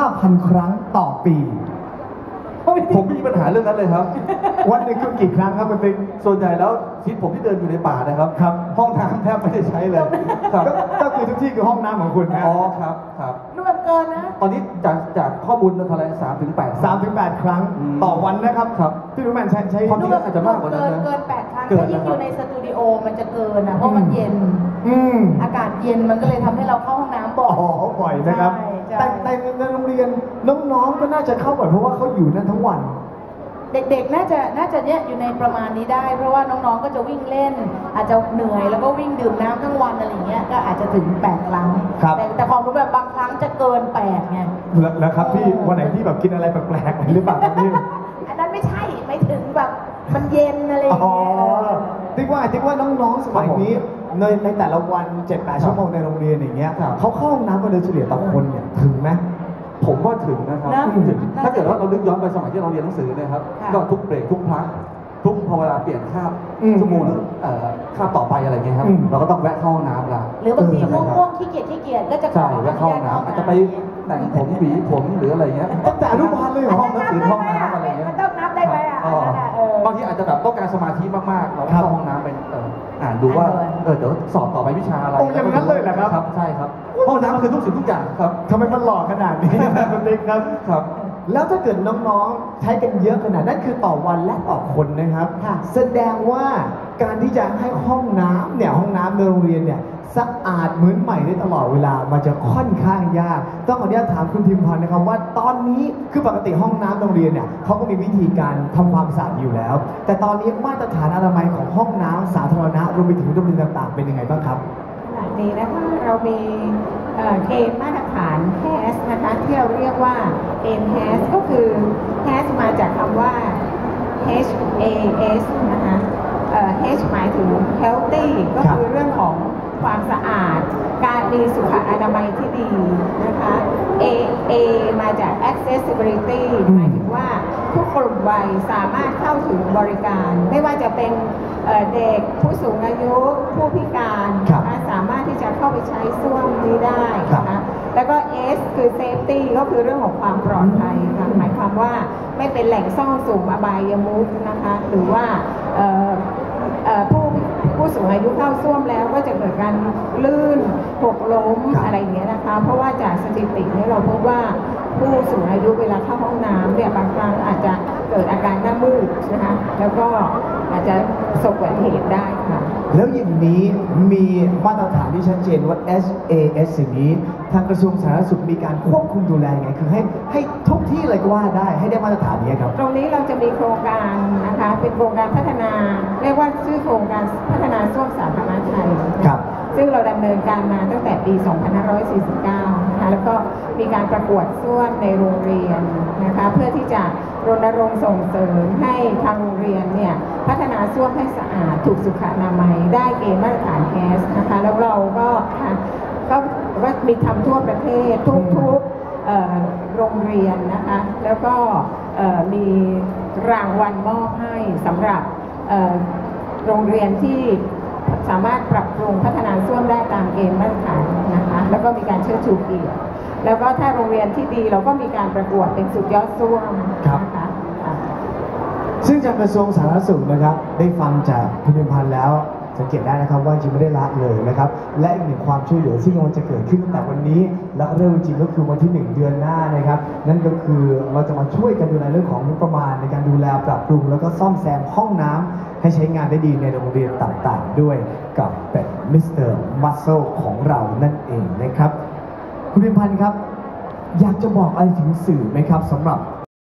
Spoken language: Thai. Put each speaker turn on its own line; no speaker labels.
5,000 ครั้งต่อปี
ผมมีปัญหาเรื่องนั้นเลยครับ
วันหนึ่งคุณกี่ครั้งครับคุณปิ๊ก
ส่วนใหญ่แล้วชีวิตผมที่เดินอยู่ในป่านะครับห้องน้ำแทบไม่ได้ใช้เลย
ก็คือทุกที่คือห้องน้ำของคุณนะ
อ๋อครับ
รวมเกินนะ
ตอนนี้จากข้อมูลเท่าไหร่3-8
ครั้งต่อวันนะครับพี่รู้ไหมใช้
ความจริงอาจจะมากกว่านั้นนะ
เกิน8 ครั้งถ้ายิ่งอยู่ในสตูดิโอมันจะเกินนะเพราะมันเย็นอากาศเย็นมันก็เลยทำให้เราเข้าห้องน้ำบ่อย
บ่อยนะครับแต่ในโรงเรียนน้องๆก็น่าจะเข้าบ่อยเพราะว่าเขาอยู่นั่นทั้งวัน
เด็กๆน่าจะเนี่ยอยู่ในประมาณนี้ได้เพราะว่าน้องๆก็จะวิ่งเล่นอาจจะเหนื่อยแล้วก็วิ่งดื่มน้ำทั้งวันอะไรเงี้ยก็อาจจะถึง8 ครั้งแต่ความรู้แบบบางครั้งจะเกิน8ไง
แล้วครับพี่วันไหนที่แบบกินอะไรแปลกๆหรือเปล่าครับพี่
อันนั้นไม่ใช่ไม่ถึงแบบมันเย็นอะไรอย่างเงี้ย
ติ๊กว่าน้องๆสมัยนี้ในแต่ละวัน 7-8 ชั่วโมงในโรงเรียนอย่างเงี้ยเขาเข้าห้องน้ำกันโดยเฉลี่ยต่อคนเนี่ยถึงไหม
ผมว่าถึงนะครับถ้าเกิดว่าเราลึกย้อนไปสมัยที่เราเรียนหนังสือนะครับก็ทุกเบรกทุกพักทุกพอเวลาเปลี่ยนคาบชั่วโมงคาบต่อไปอะไรเงี้ยครับเราก็ต้องแวะเข้าห้องน้ำละ
หรือบางทีง่วงขี้เกียจก็จะ
ใช่แวะเข้าห้องน้ำอาจจะไปแต่งผมหวีผมหรืออะไรเงี้ย
ตั้งแต่อนุบาลเลย
ห้องหนังสือห้องน้ำอะไรเงี้ย
มันต้องนับได้ไหม
บางทีอาจจะแบบต้องการสมาธิมากๆเราเข้าห้องน้ำไปอ่านดูว่าเดี๋ยวสอบต่อไปวิชาอะไร
อย่างนั้นเลยแหละครับ
ใช่ครับห้องน้ำคือทุกสิ่งทุกอย่างครับ
ทำไมมันหล่อขนาดนี้คุณติ๊กครับแล้วถ้าเกิดน้องๆใช้กันเยอะขนาดนั้นคือต่อวันและต่อคนนะครับแสดงว่าการที่จะให้ห้องน้ำในโรงเรียนเนี่ยสะอาดเหมือนใหม่ได้ตลอดเวลามันจะค่อนข้างยากต้องขออนุญาตถามคุณพิมพ์พันธ์นะครับว่าตอนนี้คือปกติห้องน้ำโรงเรียนเนี่ยเขาก็มีวิธีการทำความสะอาดอยู่แล้วแต่ตอนนี้มาตรฐานอนามัยของห้องน้ำสาธารณะรวมไปถึงโรงเรียนต่างๆเป็นยังไงบ้างครับ
ขณะนี้นะคะเรามีเกณฑ์มาตรฐาน HAS นะคะที่เราเรียกว่า HAS ก็คือ HAS มาจากคำว่า HAS นะคะ H หมายถึง healthy ก็คือเรื่องของความสะอาดการมีสุขอนามัยที่ดีนะคะ A มาจาก accessibility หมายถึงว่าทุกกลุ่มวัยสามารถเข้าถึงบริการไม่ว่าจะเป็นเด็กผู้สูงอายุผู้พิการสามารถที่จะเข้าไปใช้ส้วมนี้ได้นะคะแล้วก็ S คือ safety ก็คือเรื่องของความปลอดภัยค่ะหมายความว่าไม่เป็นแหล่งซ่องสุมอบายมุขนะคะหรือว่าผู้สูงอายุเข้าส้วมแล้วก็จะเกิดการลื่นหกล้มอะไรอย่างเงี้ยนะคะเพราะว่าจากสถิตินี้เราพบว่าผู้สูงอายุเวลาเข้าห้องน้ำเนี่ยบางครั้งอาจจะเกิดอาการหน้ามืดนะคะแล้วก็อาจจะประสบอุบัติเหตุได้ค่ะ
แล้วอย่างนี้มีมาตรฐานที่ชัดเจนว่า SAS อย่างนี้ทางกระทรวงสาธารณสุขมีการควบคุมดูแลไงคือให้ทุกที่เลยก็ว่าได้ให้ได้มาตรฐานนี้ครับ
ตรงนี้เราจะมีโครงการนะคะเป็นโครงการพัฒนาเรียกว่าชื่อโครงการพัฒนาส้วมสาธารณะไทย
ครับ
ซึ่งเราดำเนินการมาตั้งแต่ปี 2549 นะคะแล้วก็มีการประกวดส้วมในโรงเรียนนะคะเพื่อที่จะรณรงค์ส่งเสริมให้ทางโรงเรียนเนี่ยพัฒนาส้วมให้สะอาดถูกสุขอนามัยได้เกณฑ์มาตรฐาน HAS นะคะแล้วเราก็มีทำทั่วประเทศทุกโรงเรียนนะคะแล้วก็มีรางวัลมอบให้สำหรับโรงเรียนที่สามารถปรับปรุงพัฒนาส้วมได้ตามเกณฑ์มาตรฐานนะคะแล้วก็มีการเชิดชูเกียรติแล้วก็ถ้าโรงเรียนที่ดีเราก็มีการประกวดเป็นสุดยอดส้วมนะคะ
ซึ่งจากกระทรวงสาธารณสุขนะครับได้ฟังจากคุณพิมพ์พันธ์แล้วสังเกตได้นะครับว่าจริงไม่ได้ละเลยนะครับและอีกหนึ่งความช่วยเหลือซึ่งมันจะเกิดขึ้นตั้งแต่วันนี้และเริ่มจริงก็คือวันที่1 เดือนหน้านะครับนั่นก็คือเราจะมาช่วยกันดูแลเรื่องของงบประมาณในการดูแลปรับปรุงแล้วก็ซ่อมแซมห้องน้ำให้ใช้งานได้ดีในโรงเรียนต่างๆด้วยกับเป็นมิสเตอร์มัสเซลของเรานั่นเองนะครับคุณพิมพ์พันธ์ครับอยากจะบอกอะไรถึงสื่อไหมครับสำหรับ